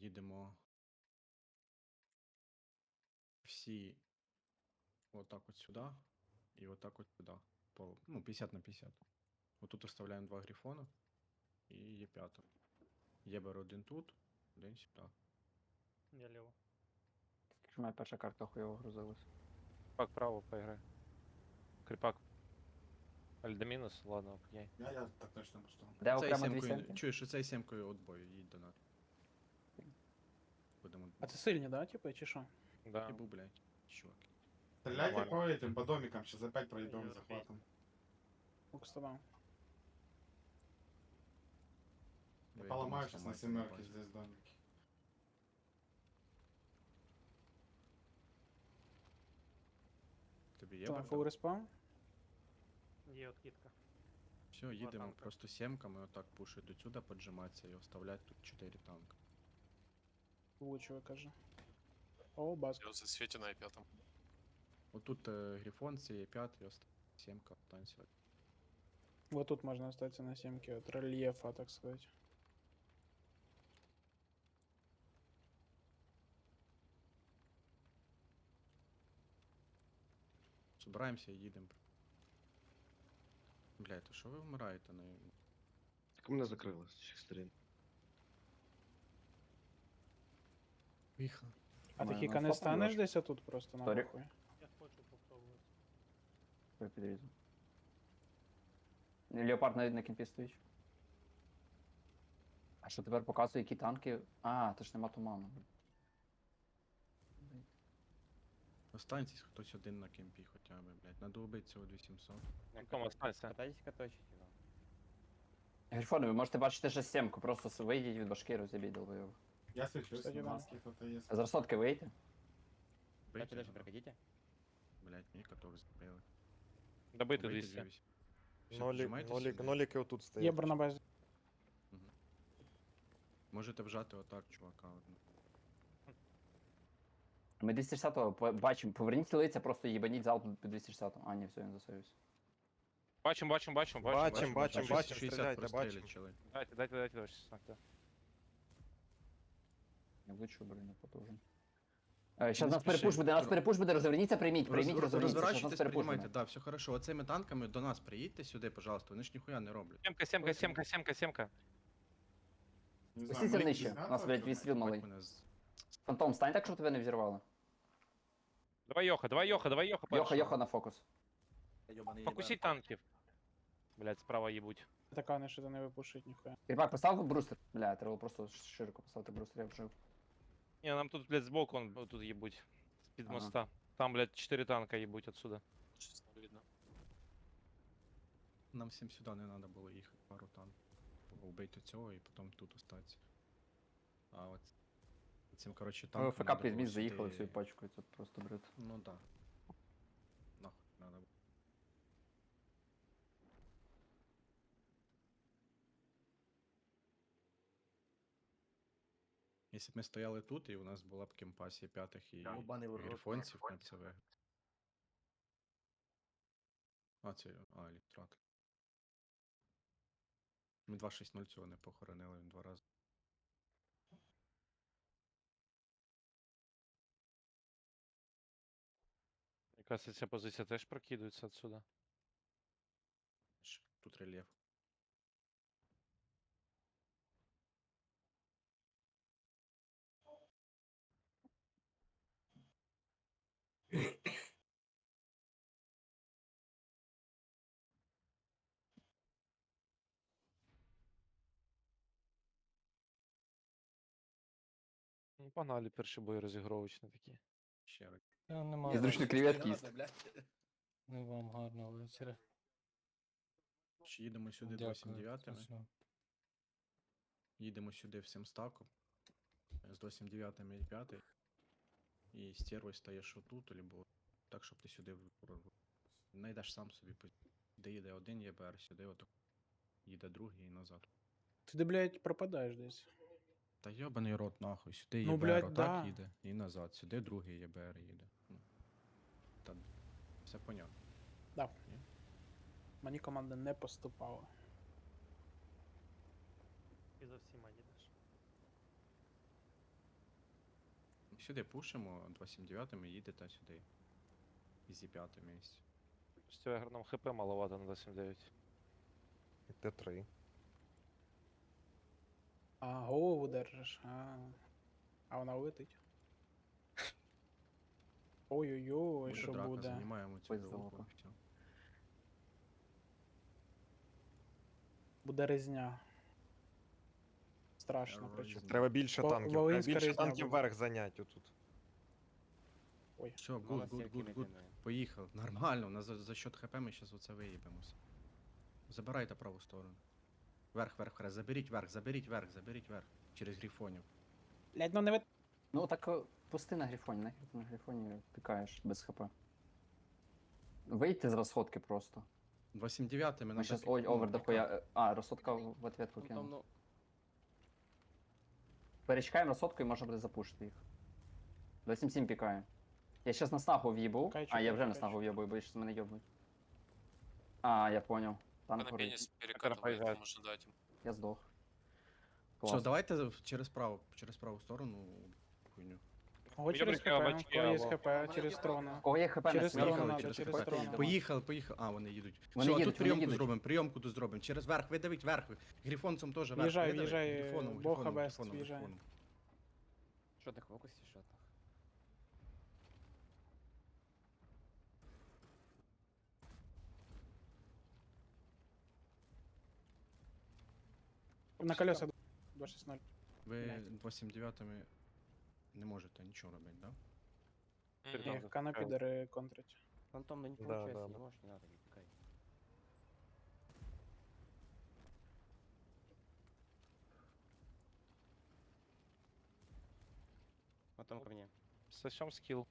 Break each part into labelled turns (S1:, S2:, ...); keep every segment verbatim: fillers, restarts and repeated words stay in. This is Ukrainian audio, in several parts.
S1: їдемо всі отак от сюди і отак от сюди. По, ну, п'ятдесят на п'ятдесят. Отут оставляємо два грифона і є п'ята. Єбер один тут, один сюди.
S2: Я ліво.
S3: Що моя перша карта хуйово грузилась.
S4: Кріпак право поіграй. Кріпак. Альдемінус? Ладно, окей.
S5: Я, я так точно поставив.
S3: Де
S1: Цей
S3: окремо дві
S1: сімкою,
S3: сімки?
S1: чуєш, оцей сімкою от бою, їдь до нас. Будемо.
S2: А це сильні, да, типу, чи що?
S4: Да.
S1: Єбу, блядь, чувак.
S5: Стреляйте
S4: Нормально.
S5: по этим, по домикам, сейчас опять проебем
S2: Ой,
S5: захватом.
S2: Лук з тобою.
S1: Ви
S5: Поломаю
S1: дома
S5: сейчас на
S1: зламаєте,
S5: семерке
S1: бачите.
S5: здесь домики.
S1: Тобі
S2: Що,
S1: єбер?
S2: фул респаун?
S4: Є откидка.
S1: Все, їдемо
S4: танка.
S1: просто сімками, отак пушить до сюди, поджиматися і оставлять тут чотири танка.
S2: Влучує, каже. О, баск.
S6: Я в засвете на пятом.
S1: Отут е, грифон, це є п'ятий, оста... сімка, танцювати.
S2: Вот тут можна остатися на сімки от рельєфа, так сказати.
S1: Збираємося і їдемо. Блядь, то що ви вмираєте на...
S7: Так у мене закрилось з всіх сторін.
S1: Віха.
S2: А ти
S3: Ми
S2: хіка
S3: на
S2: не
S3: фотку
S2: станеш
S3: можеш?
S2: десь отут просто на
S3: Сорі.
S2: похуй?
S4: Я хочу попробувати.
S3: Я підрізав. Леопард навіть на кімпі стоїть. А що тепер показує, які танки? А, то ж нема туману.
S1: Останьтесь хтось один на кемпі хоча б, блядь. Надо убити цього вісімсот.
S4: Ну, Том, останься.
S8: Катайтесь, каточите его.
S3: Грифони, ви можете бачити ще сімку, просто с- вийдіть від башки, розібіть долбойов.
S5: Я свечусь,
S2: Кстати,
S5: на
S2: да.
S5: маске кто-то есть.
S3: З розсотки вийти.
S8: Дальше, дальше прокатите.
S1: Блядь, мені каток збили.
S4: Добити
S1: Вийти
S4: двісті.
S1: за вісім. Все,
S9: Нолік,
S1: піджимайтесь
S9: нолік,
S1: сюди.
S9: ноліки отут стоять.
S2: Єбр на базі.
S1: Можете вжати отак, чувака. одну.
S3: Ми двісті шістдесятого по- бачимо, поверніть лиця, просто їбаніть залп під двісті шістдесятого. А, ні, все, він засоювся.
S4: Бачим, бачим, бачим, бачим.
S9: Бачим, бачим,
S1: шістдесят
S9: бачим, стріляйте,
S1: прострілять,
S9: бачим.
S1: чели.
S4: Дайте, дайте, дайте, дайте, шістнадцять.
S3: Я влучу, блин, не потужен. Щас
S1: Не
S3: нас
S1: спіши.
S3: перепуш буде, нас перепуш буде, розверніться, прийміть, прийміть,
S1: Роз-
S3: розверніться, щас нас
S1: Розворачуйтесь,
S3: перепуш
S1: приймайте,
S3: буде.
S1: да, все хорошо. Оцими танками до нас приїдьте сюди, пожалуйста, вони ж ніхуя не роблять.
S4: Сімка, сімка, сімка, сімка, сімка.
S5: Не
S3: Усі
S5: знаю,
S3: це
S5: Мalik
S3: нижче,
S5: без
S3: у нас,
S5: мяса
S3: блядь,
S5: отсюда?
S3: відстріл малий.
S1: Бать мене з...
S3: Фантом, стань так, щоб тебе не взірвало.
S4: Давай Йоха, давай Йоха, давай Йоха.
S3: Йоха,
S4: першого.
S3: Йоха на фокус.
S4: Покусіть танків. Блядь, справа їбуть.
S2: Така не що то не випушить ніхуя.
S3: Кріпак, постав брустер. Бля, треба було просто широко поставити брустер, я вжив.
S4: Ні, нам тут, блядь, збоку он, тут їбуть. З-під
S3: Ага.
S4: моста. Там, блядь, чотири танка їбуть отсюда.
S6: Сейчас не видно.
S1: Нам всім сюди не треба було їхати, пару танків. Вбити цього і потім тут остатися. А от цим, коротше, танком...
S3: ФК
S1: надо
S3: під
S1: було
S3: міст заїхали
S1: сюди-
S3: всю пачкою, це просто бред.
S1: Ну да. Нахуй надо було. Якщо б ми стояли тут, і у нас була б кемпасія п'ятих і грифонців, ми б це виграли. А, це... А, електрат. Ми два шість нуль цього не похоронили, він два рази.
S4: Якась ця позиція теж прокидується отсюда.
S1: Ж, Тут рельєф.
S4: Ну, погнали перші бої розігровочні такі.
S1: Ще раз.
S8: Я не маю.
S3: І зручно креветки їсти.
S8: Не вам гарного вечора.
S1: Ще їдемо сюди
S8: Дякую.
S1: двадцять дев'ятими.
S8: Точно.
S1: Їдемо сюди всім стаком. З двадцять дев'ятими і п'ятий. І стервою стаєш отут, або так, щоб ти сюди в- знайдеш сам собі. по- Де їде один ЄБР, сюди отак. Їде другий і назад.
S2: Ти де, блядь, пропадаєш десь.
S1: Та йобаний рот нахуй, сюди
S2: Ну,
S1: ЄБР
S2: блядь,
S1: отак
S2: да.
S1: їде і назад, сюди другий ЄБР їде. Ну, та все понятно.
S2: Да. Мені команда не поступала.
S4: І за всіма їдеш.
S1: Сюди пушимо, два сім дев'ять і їдете сюди. Ізі п'яте місце.
S4: Стягер нам хп маловато на двадцять дев'ять.
S9: Т три.
S2: А, голову держиш. А, а вона летить. Ой-ой-ой,
S1: Буде
S2: що
S1: драка,
S2: буде?
S1: займаємо цю
S3: Ой,
S1: групу.
S3: залупа.
S1: Все.
S2: Буде резня. Страшно,
S1: Резня.
S2: причому.
S9: Треба більше
S2: Ва-
S9: танків. Треба
S2: Волинська
S9: більше
S2: різня
S9: танків
S2: буде.
S9: вверх зайняти отут.
S2: Ой,
S1: Все,
S8: Мало
S1: гуд, гуд,
S8: стільки
S1: гуд,
S8: не
S1: гуд.
S8: піде.
S1: Поїхав. Нормально, на за, за счет хп ми зараз оце виїбемося. Забирайте праву сторону. Верх, верх, верх. Заберіть верх, заберіть верх, заберіть верх. Через грифонів.
S2: блядь, ну не ви...
S3: Ну так е, пусти на грифоні, нахер ти на грифоні пікаєш без хп. Вийти з розходки просто.
S1: два сім дев'ять ми
S3: Ми
S1: надо
S3: щас,
S1: пі-
S3: ой,
S1: ну,
S3: овер
S1: піка-
S3: дохуя. е, А, розходка в в ответку
S8: Ну, там,
S3: кинув.
S8: ну,
S3: Перечекаємо розходку і можна буде запушити їх. два сім сім пікає. Я щас на снагу в'їбу.
S2: Чекай,
S3: А,
S2: чекай,
S3: я вже на
S2: чекай,
S3: снагу
S2: чекай.
S3: в'їбу, бо щас мене йобнуть. А, я понял. Танк
S6: Она
S3: горить.
S6: пенис перекатывает,
S4: поезжает.
S6: там уже дать им.
S3: Я здох.
S1: Все,
S3: Клас.
S1: давайте в- через праву, через праву сторону хуйню.
S2: Ого,
S4: Я
S2: через хп,
S4: прикрив
S2: у
S4: очки,
S2: кого є
S4: або-
S2: хп, через трона.
S3: Кого є хп на
S2: Через
S3: снігу?
S2: сторону
S1: Поїхали
S2: надо,
S1: через
S2: через
S1: хп.
S2: сторону.
S1: Поїхали, поїхали. А, вони їдуть.
S3: Вони
S1: Все, а
S3: їдуть,
S1: тут
S3: вони
S1: прийомку
S3: їдуть.
S1: зробимо, прийомку тут зробимо. Через верх, видавіть верх. Грифонцем теж верх.
S2: В'їжджай,
S1: видавить.
S2: в'їжджай,
S1: Грифоном,
S2: Бог
S1: грифоном,
S2: Абест,
S1: грифоном,
S2: в'їжджай.
S1: грифоном.
S8: що ти фокусі, що там?
S2: На колеса два шість ноль.
S1: Ви
S2: Блядь.
S1: два сім дев'ять не можете нічого робити, да?
S4: Перед
S6: Мгм.
S4: нами
S2: Ні, кана
S4: запускають.
S2: підери контрить.
S8: Фантом, ну не
S9: Да,
S8: получается,
S9: да,
S8: не
S9: да.
S8: можешь, не надо, не пикай. Потом ко мне.
S4: Сосем скилл.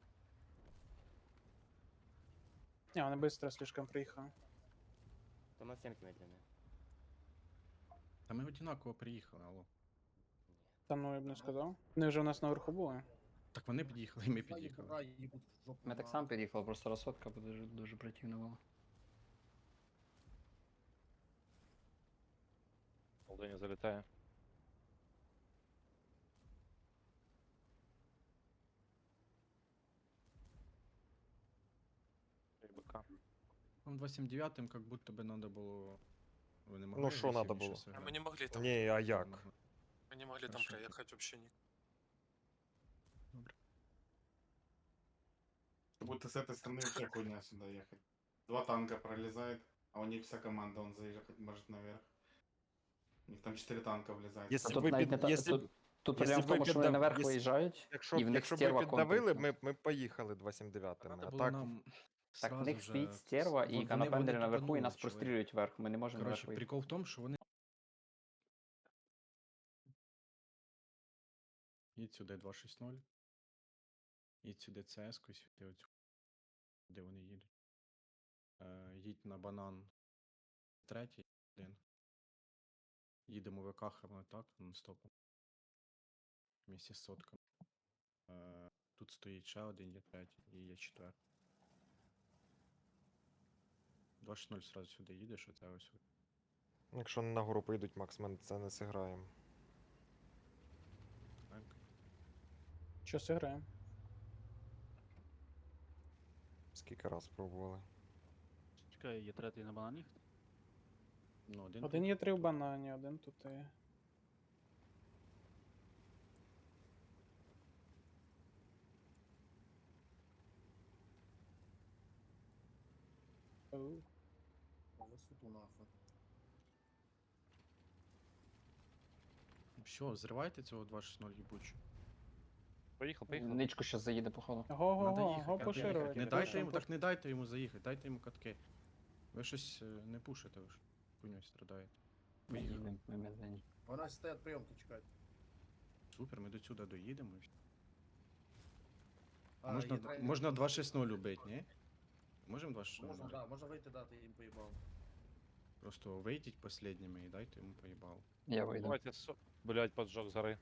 S2: Не, вони быстро слишком приїхали.
S8: Там на семки медленные.
S1: Та ми одинаково приїхали, алло.
S2: Та ну я б не сказав. Вони вже у нас наверху були.
S1: Так вони під'їхали, і ми під'їхали.
S3: Ми так сам під'їхали, просто розходка буде дуже, дуже противна була.
S4: Молдоні залітає. БК.
S1: Там два сім дев'ять как будто би надо було... Ви не могли
S9: Ну, що надо
S1: агресивніше
S9: було?
S6: А
S1: зіграти?
S6: мы не могли там,
S9: Ні, а як?
S1: Могли.
S6: мы не могли там
S1: Хорошо.
S6: проехать вообще никак.
S5: Как будто с этой стороны вообще хуйня сюда ехать. Два танка пролезает, а у них вся команда, он заезжать может наверх. У них там четыре танка влезает.
S9: Якщо
S3: Тут
S9: ви
S3: навіть не
S9: під...
S3: та-
S9: якщо-
S3: тут, тут проблема
S9: якщо
S3: в тому,
S9: ви
S3: що вони
S9: піддав-
S3: наверх
S9: якщо-
S3: виїжджають,
S9: Якщо,
S3: і в них
S9: якщо б
S3: стерва
S9: ви піддавили,
S3: контрить.
S9: ми, ми поїхали два сім дев'ять.
S1: Надо
S9: А
S1: було
S9: так,
S1: нам
S3: Так, в
S1: сразу
S3: них
S1: же
S3: стоїть
S1: с-
S3: стерва
S1: вон-
S3: і
S1: вони-
S3: канапендери
S1: вони
S3: наверху, і
S1: тупанули,
S3: нас
S1: чувак.
S3: прострілюють вверх. Ми не можемо
S1: Коротше,
S3: наверх виїхати.
S1: прикол в тому, що вони... Їдь сюди два шість ноль. Їдь сюди ЦС-ку, сюди оцю. Де вони їдуть. Е, їдь на банан третій, один. Їдемо викахами так, нон-стопом. Вместе з сотками. Е, тут стоїть ще один, є третій і є четвертий. два шість ноль сразу сюди їдеш, оце ось.
S9: якщо на гору поїдуть, Макс, ми це не зіграємо.
S1: Так.
S2: Що зіграємо?
S9: Скільки раз пробували.
S10: Чекай, є третій на банані.
S1: Ну, один,
S2: Один
S1: тут.
S2: є три в банані, один тут і... Оу.
S1: Все, зривайте цього два шість ноль їбучу.
S4: Поїхав, поїхав.
S3: Ничку зараз заїде, походу.
S1: Надо
S2: Го-го-го,
S1: їхати,
S2: го
S1: надо
S2: поширювати.
S1: їхати. Не
S2: пушим,
S1: дайте йому,
S2: пушим.
S1: так не дайте йому заїхати, дайте йому катки. Ви щось е, не пушите, ви ж хуйньою страдаєте.
S3: Ми
S1: Поїхали.
S3: їдемо, ми медлені.
S11: Вона стоять прийомки чекають.
S1: Супер, ми до сюди доїдемо. і всё.
S11: А,
S1: можна,
S11: є тренер.
S1: можна два шість ноль убити, ні? Можемо два шість ноль?
S11: Можна, да, можна вийти дати їм поїбав.
S1: Просто вийдіть последніми і дайте йому поїбало.
S3: Я вийду.
S4: Давайте, со... блять, поджог зори.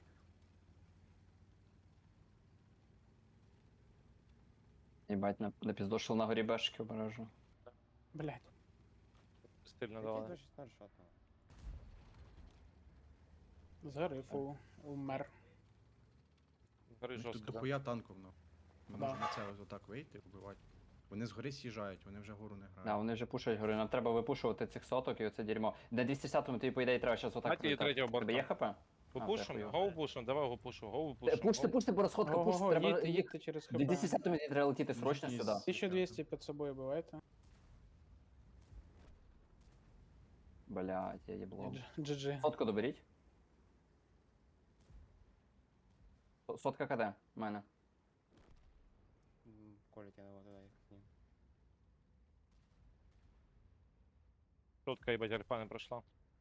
S3: Їбать, на, напіздошив на горі бешки обережу.
S2: Блядь.
S4: Стильно
S8: Какие
S4: давали.
S8: два шестнадцать шатного?
S2: Згорив у... умер.
S1: У
S4: Гори
S1: них тут
S4: жорстко, да?
S1: дохуя танків, ну. Ми
S2: Да.
S1: можемо на це ось отак вийти, вбивати. Вони згори з'їжджають, вони вже гору не
S3: Да,
S1: грають.
S3: вони вже пушать, говорю, нам треба випушувати цих соток і оце дерьмо. На двісті десятому тобі, по ідеї, треба зараз отак
S4: Давайте її
S3: пролітати.
S4: третього
S3: Тебе є
S4: борта.
S3: хп?
S4: Попушим,
S3: хуйово.
S4: гоу пушим, давай го пушим, гоу
S3: Е,
S4: пушим.
S3: Пуште,
S4: гоу.
S3: пуште, бо розходка, пуште,
S2: Ого-го,
S3: треба
S2: їдьте,
S3: їх...
S2: їдьте через хп.
S3: двісті десятому треба летіти срочно
S1: Із-
S3: сюди.
S2: тисяча двісті під собою бивайте.
S3: Блядь, я їбло.
S2: джі джі.
S3: Сотку доберіть. Со- Сотка КД, в мене.
S8: М, Колить я его туда их с ним.
S4: Шутка, їбать, альфа не пройшла.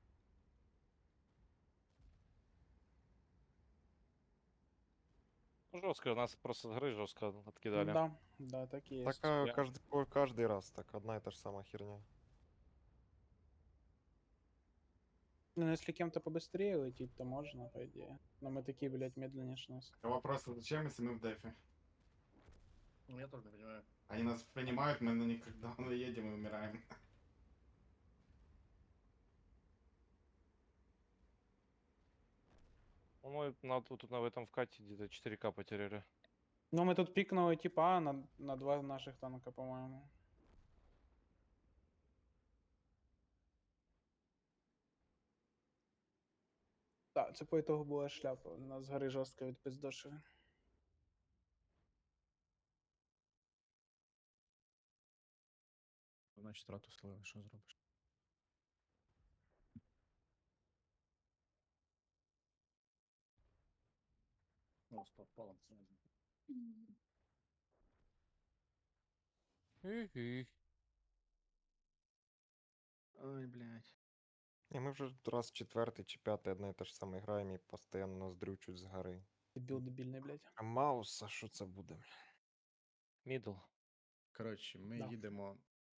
S4: Ну, жорстко, нас просто з гри жорстко откидали.
S2: Да, да, так і є.
S9: Так а,
S4: Я-
S9: каждый, по- каждый раз так, одна и та же самая херня.
S2: Ну, если кем-то побыстрее лететь, то можно, по идее. Но мы такие, блядь, медленнее ж нас.
S5: А вопрос, зачем, если мы в дефе?
S11: Ну, я тоже не понимаю.
S5: Они нас понимают, мы на них когда мы едем и умираем.
S4: Ну, мы на, тут на в этом вкате где-то четыре ка потеряли.
S2: Ну, мы тут пикнули типа А на, на два наших танка, по-моему. Так, це по ітогу була шляпа. Нас згори жорстко відпиздошили.
S1: Значить, трату слили, що зробиш?
S11: Ну, стоп, палом.
S1: Ой, блядь.
S9: И мы уже раз четвертый чи пятый одна и та же самая играем и постоянно нас дрючуть з гори.
S2: Дебіл дебільний, блядь.
S9: А Мауса, що це буде?
S4: Мідл.
S1: Коротше, ми
S2: Да.
S1: їдемо.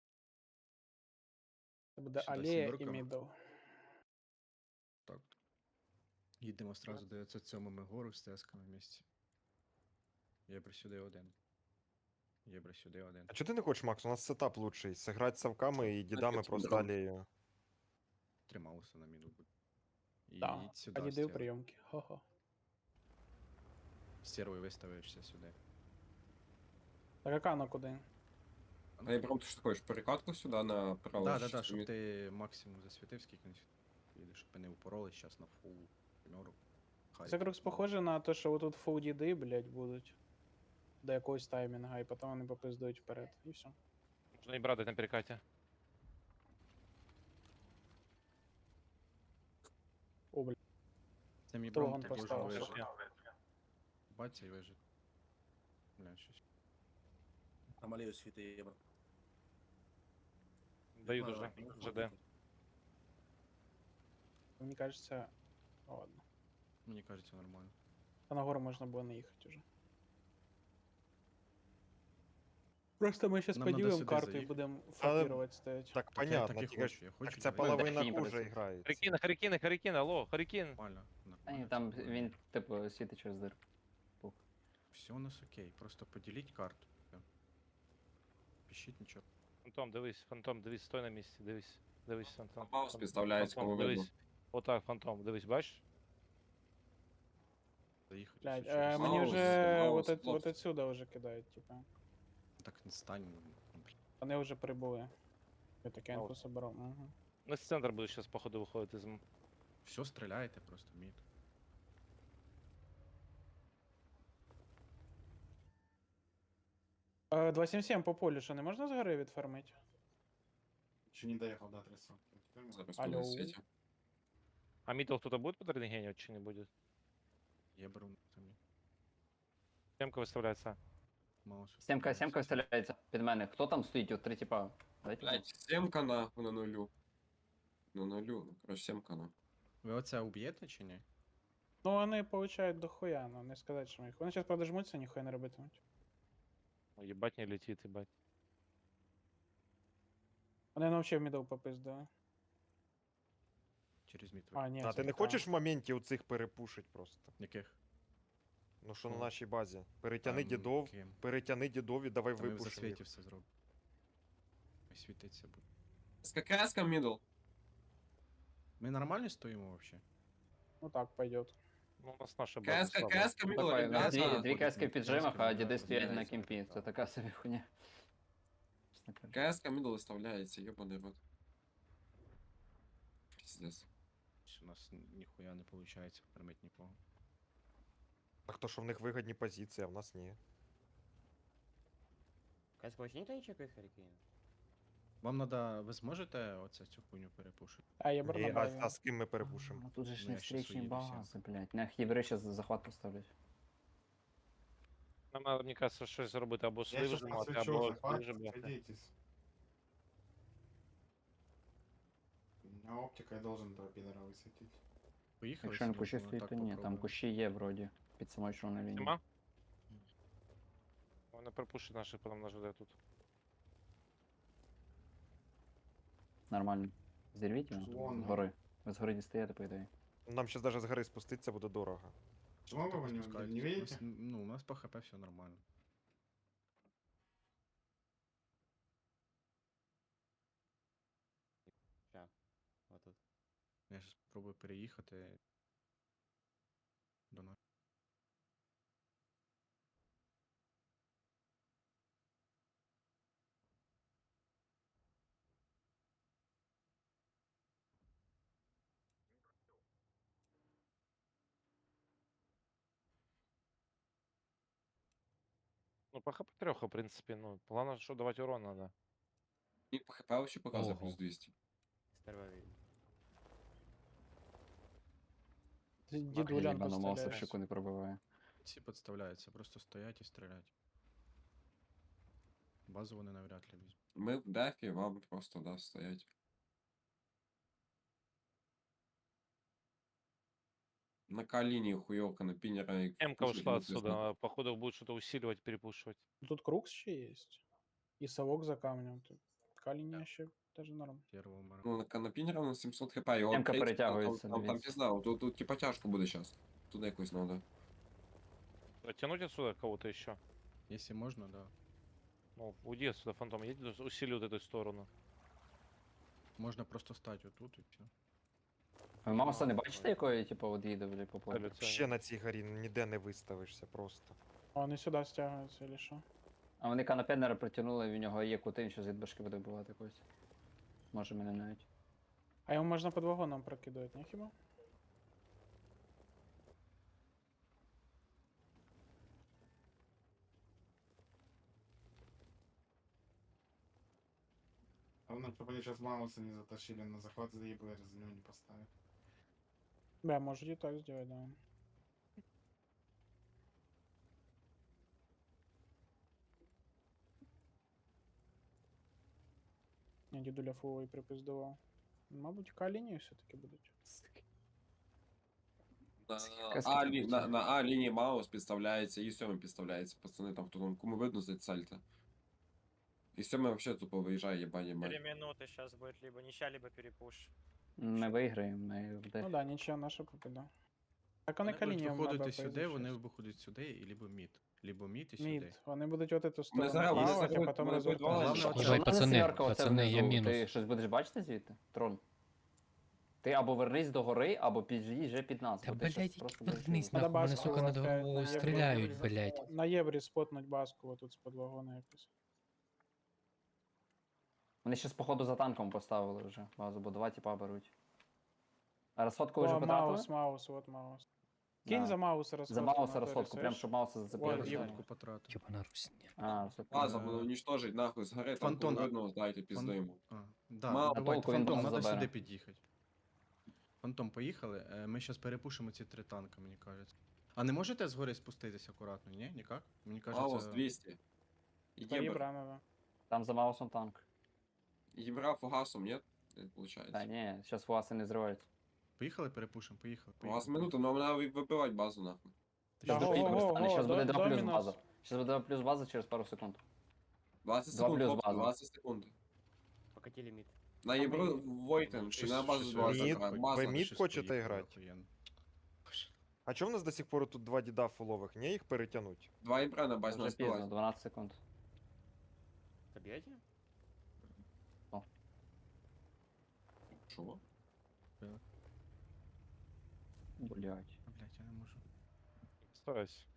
S2: Це буде
S1: Сюди
S2: алея і
S1: сімерками.
S2: мідл.
S1: Так. Їдемо сразу дев'ятсот сьомими гору з тесками в місті. Єбр сюди один. Єбр сюди один.
S9: А чого ти не хочеш, Макс? У нас сетап лучший. Сыграть совками і дідами
S7: Опять
S9: просто
S7: дрон.
S9: алею.
S1: Трималося на міну буде. І
S2: Так,
S1: їдь сюди.
S2: а діди в
S1: стервою.
S2: прийомки. Хо-хо.
S1: Стервою виставишся сюди.
S2: Так а Кано куди?
S7: А я прям, ты что хочешь, перекатку сюда направо?
S1: Так, так, так,
S7: Щас
S1: щоб
S7: мид-
S1: ти максимум засвітив, скільки не їдеш, щоб вони упоролись зараз на фул мьору. Хай.
S2: Це крокс похоже на те, що отут фул діди, блядь, будуть. До якогось таймінга, і потім вони попиздують вперед. І все.
S4: Можна і брати на перекаті.
S2: О, блядь.
S1: Це мій
S2: Хто
S1: бром
S2: вон
S1: должен
S2: поставив?
S1: вижити. Баться і вижити. Бля, щось.
S11: Там аллею світи єбра.
S4: Даю
S11: Ну,
S4: дуже.
S11: ну,
S4: ЖД.
S11: ходити.
S2: Мені кажеться. Ну, ладно.
S1: Мені кажеться нормально.
S2: А на гору можна було не їхати уже. Просто ми зараз
S1: Нам надо
S2: поділимо
S1: сюди
S2: карту і
S1: заїхати.
S2: будемо
S9: Але-
S2: фокувати стоять.
S9: Так,
S1: Так я
S9: понятно.
S1: так і
S9: тільки ж-
S1: хочу, я хочу.
S9: Так це
S1: давай.
S9: половина
S3: Дельфін
S9: хуже
S3: просто.
S9: грається.
S4: Харікін, Харікін, Харікін, алло, Харікін.
S1: Нормально.
S3: Та ні,
S1: нормально,
S3: там
S1: все буде.
S3: він, типу, світить через дир.
S1: Все у нас окей, просто поділіть карту. Все. Пишіть нічого.
S4: Фантом, дивись, фантом, дивись, стой на місці, дивись. Дивись, фантом.
S7: Маус
S4: Фан-
S7: підставляється,
S4: фантом,
S7: кому видно.
S4: дивись. Отак, фантом, дивись, бачиш?
S1: Заїхати.
S2: Блядь,
S1: все
S2: е,
S1: через-
S2: мені
S7: Маус,
S2: вже
S7: маус,
S2: вот, от,
S7: хлопці.
S2: вот отсюда вже кидають, типа.
S1: Так не стань. ну, блін.
S2: Вони вже прибули. Я таке
S4: А
S2: інфу
S4: от.
S2: соберу. Угу.
S4: На центр буде зараз, походу, виходити з м-
S1: Все стріляєте просто мід.
S2: Е, два сім сім по полю, що не можна згори відфармити?
S5: Еще не доехал до тридцати.
S7: Зараз
S2: Алло.
S7: туди світі.
S4: А мідл хто-то буде под рентгенів чи не буде?
S1: Єбр у нас там є.
S4: Темка виставляється.
S1: Маус.
S3: Сімка,
S1: виставляється.
S3: сімка стріляється під мене. Хто там стоїть? От три типа. Дайте.
S7: Блять, семка на, на нулю. На нулю, ну, короче, семка на.
S1: Ви оце уб'єте чи ні?
S2: Ну вони получають дохуя, ну не сказати, що ми їх. Вони зараз подожмуться, ніхуя не робитимуть.
S4: О, Єбать не летить, єбать.
S2: Вони ну, взагалі в мідл попиздили.
S1: Через мід.
S2: А, ні,
S9: А
S2: це
S9: ти не
S2: та.
S9: хочеш в моменті у цих перепушить просто?
S1: Яких?
S9: Ну що на
S1: Що?
S9: нашій базі? Перетяни
S1: Там
S9: дідов,
S1: ким?
S9: перетяни дідов і давай
S1: Та ми в
S9: випушимо
S1: засвіті
S9: їх.
S1: все зробимо. Ой, світиться буде.
S7: СККС-ка мидл.
S1: Ми нормально стоїмо взагалі?
S2: Ну так, пойдет.
S4: Ну, у нас наша база
S7: КСК,
S4: слабая.
S7: КСК мидл,
S3: Такой, у нас дві,
S7: ребята.
S3: дві каски в піджимах, а
S1: Каски,
S3: діди
S1: да,
S3: стоять на
S1: міняється,
S3: кімпі.
S1: да.
S3: Це така собі хуйня. Чесно кажучи.
S7: КСК мидл виставляється, ёбаний рот. Пиздец.
S1: У нас ніхуя не виходить фармить нікого.
S9: Так то, що в них вигідні позиції, а в нас ні.
S8: КС вообще никто не чекает Харикейна?
S1: Вам надо, ви зможете оце цю хуйню перепушити?
S2: А, я бр
S9: Ні,
S2: на
S9: а,
S2: базі.
S9: а з ким ми перепушимо?
S3: Ну тут же ж
S1: Ну,
S3: не
S1: я щас
S3: встречні
S1: уїду всім.
S3: бази, блядь. На хіври зараз захват поставлять.
S4: Нам надо, мені кажется, щось зробити або
S5: Я
S4: слив
S5: сейчас
S4: зламати,
S5: посвечу
S4: або
S5: захват,
S4: слив бляха.
S5: садитесь. У меня оптика, я должен этого пидора высветить.
S1: Поїхали?
S3: Якщо на
S1: собі,
S3: кущі
S1: ну,
S3: стоїть,
S1: так
S3: то ні, там
S1: попробуємо.
S3: кущі є вроді. Під самою чорною лінією.
S4: Нема? Вони пропушать наших, потім нас жде тут.
S3: Нормально. Зірвіть його
S5: Вон.
S3: з гори. Ви з гори дістаєте, по ідеї.
S9: Нам ще навіть з гори спуститися буде дорого.
S5: Почему вы его не,
S1: Спускайтесь.
S5: не
S1: У
S5: видите?
S1: нас, ну, у нас по хп все нормально.
S8: Ща. Вот тут.
S1: Я зараз спробую переїхати до нас.
S4: Ну, по хп трьох, в принципі, ну, плана, що давати урон надо.
S7: І по хп вообще показує
S1: Ого.
S7: плюс двісті.
S8: Сперва видно.
S2: Дідулян
S3: Єбану мауса в
S2: поставляє.
S3: щеку не пробиває.
S1: Ці підставляються, просто стоять і стрілять. Базу вони навряд ли візьмуть.
S7: Ми в дефі, вам просто, да, стоять. На К-линии хуёвка, на пинера и
S4: М-ка
S7: пушить
S4: ушла
S7: не пизда.
S4: отсюда, походу будет что-то усиливать, перепушивать.
S2: Тут Крукс ще є. І совок за камнем. Тут Каліня ще даже норм.
S1: Первого мара.
S7: Ну, на, на пинера у нас сімсот хп, і от
S3: М-ка
S7: третій,
S3: перетягується,
S7: там, там, там
S3: дивіться.
S7: пізда, тут, тут типа тяжко буде сейчас. Туди якось надо.
S4: Оттянуть отсюда кого-то еще?
S1: Якщо можна, да.
S4: Ну, уйди отсюда, фантом, едь, усили вот эту сторону.
S1: Можна просто стати отут і все.
S3: Ви мауса не бачите, якої, типу, от їде, блядь, по полю?
S4: Целю,
S9: Ще на цій горі ніде не виставишся просто.
S2: А вони сюди стягуються, или що?
S3: А вони канапенера притягнули, в нього є кути, він щось від башки буде вбивати когось. Може мене навіть.
S2: А його можна під вагоном прокидувати, не хіба?
S5: Главное, чтобы они сейчас Мауса не затащили на захват, заебали, раз за него не поставят.
S2: Бля, може і так зробити, да. Я дідуля фуловий припиздував. Мабуть, К-лінії все-таки будуть.
S7: На
S3: Каски
S7: А,
S3: там
S7: лі, на,
S3: ці.
S7: на А лінії Маус підставляється, і сьомий підставляється, пацани, там хто там, кому видно за сальто. І сьомий вообще тупо виїжджає, єбань, єбань.
S6: минуты сейчас будет либо ничья, либо перепуш.
S3: Ми виграємо, ми в
S2: Ну
S3: дефі.
S2: да, нічия наша побіда. Так вони
S1: Вони будуть
S2: К-лінієм надо
S1: виходити сюди,
S2: поїздити
S1: вони
S2: щас.
S1: виходять сюди, і либо мід. Либо мід і сюди.
S2: Мід. Вони будуть от эту
S7: Ми
S2: сторону
S7: зараз, ми
S2: плавати, а
S7: зараз,
S2: потім
S7: ми
S2: розвертатися.
S1: Головне,
S3: Що
S1: от
S3: в
S1: Давай,
S3: мене
S12: пацани,
S3: сімерка оце
S12: пацани, я
S3: внизу?
S12: мінус.
S3: Ти щось будеш бачити звідти? Трон. Ти або вернись до гори, або під'їжджай під нас.
S12: Та,
S3: бо ти щас
S12: блядь,
S3: просто будеш
S12: вернись
S2: Надо
S12: нахуй, мене,
S2: баску
S12: сука, над
S2: опять на
S12: головою
S2: євро.
S12: стріляють, блядь.
S2: На єврі спотнуть баску отут з-под вагона якось.
S3: Вони щас походу за танком поставили вже базу, бо два тіпа беруть. А розходку ви вже
S2: О,
S3: потратили?
S2: Маус, Маус, от Маус. Кинь
S3: Да.
S2: за Мауса розходку.
S3: За Мауса
S2: на
S3: розходку,
S2: торі,
S3: прям
S2: слышь?
S3: щоб Мауса зацепили.
S2: Ой,
S3: за
S2: є.
S3: нього.
S1: Розходку потратив.
S12: Ёбана Русь.
S3: А, розходку.
S7: База,
S1: Е,
S7: буде уничтожить нахуй з гори, там
S1: Фантон,
S7: кому
S1: а-
S7: видно, дайте пізду
S1: Фан-
S7: йому.
S1: А, да,
S7: Мало
S1: давайте,
S3: толку, він
S1: Фантом,
S3: базу
S1: надо
S3: забере.
S1: сюди під'їхати. Фантом, поїхали. Е, Ми зараз перепушимо ці три танка, мені кажеться. А не можете згори спуститися акуратно, ні? Ніяк? Мені
S7: Маус
S1: кажеться...
S7: двісті.
S2: Та
S7: Єбра.
S2: Єбра надо.
S3: Там за Маусом танк.
S7: Єбра фугасом, нет? Не получается.
S3: Та ні, зараз фуаси не зриваються.
S1: Поїхали, перепушимо, поїхали.
S7: У вас
S1: поїхали.
S7: минута, но нам надо вибивати базу нахуй.
S1: Ти
S2: Да,
S1: що,
S2: го,
S1: допіть
S2: го,
S1: просто?
S2: го.
S3: Зараз буде
S2: до-
S3: два плюс
S2: домінус.
S3: база. Зараз буде два плюс база через пару секунд.
S7: двадцять
S3: Два
S7: секунд,
S3: плюс
S7: хлопці,
S3: база.
S7: двадцять секунд.
S8: Покатили мид.
S7: На
S2: А
S7: Єбру
S2: ми-
S7: Войтен, чи на базу
S1: Щось-
S7: два
S1: щось-
S9: Мід,
S7: закра-
S9: ви
S7: база.
S9: мід
S1: Щось
S9: хочете
S1: поїхало,
S9: грати?
S1: охуєнно.
S9: А чому в нас до сих пор тут два діда фулових? Не їх перетягнуть?
S7: Два Єбра на базі
S3: Вже
S7: нас
S3: пізно,
S7: співають.
S3: дванадцять секунд.
S8: Добьете?
S7: Що?
S3: Блять.
S1: Блять, я не можу.
S4: Старайся.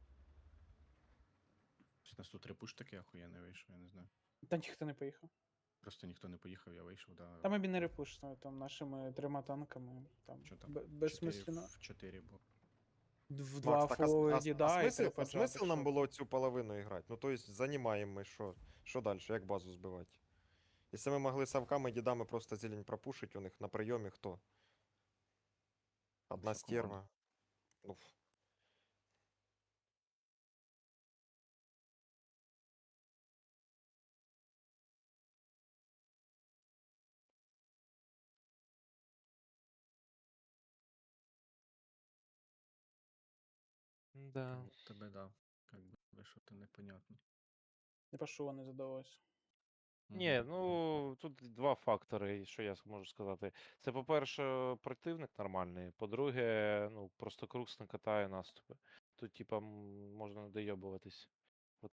S1: Ось у нас тут репуш такий охуєнний вийшов, я не знаю.
S2: Та ніхто не поїхав.
S1: Просто ніхто не поїхав, я вийшов, да.
S2: Та ми б і не репушно, там нашими трьома танками, там,
S1: Що там?
S2: бе- безсмислено.
S1: В чотири було.
S2: В два
S9: Макс, так, а, с-
S2: фулових
S9: а, с-
S2: діда
S9: а,
S2: і
S9: смисл,
S2: три
S9: а
S2: поджатих,
S9: смисл нам
S2: що
S9: було
S2: це?
S9: цю половину іграти? Ну, то есть, занімаємо ми що? Що далі? Як базу збивати? Якщо ми могли совками, дідами просто зелень пропушить у них на прийомі, хто? Одна
S1: Вся команда.
S9: стерва. Ну, ф-
S4: Да.
S1: Ну, тебе, да. Как би, що то непонятно.
S2: Не пошов, не задалось.
S4: Ні,
S1: Мгм.
S4: ну тут два фактори, що я можу сказати. Це, по-перше, противник нормальний. По-друге, ну, просто Крукс не катає наступи. Тут, типа, м, можна не дойобуватись.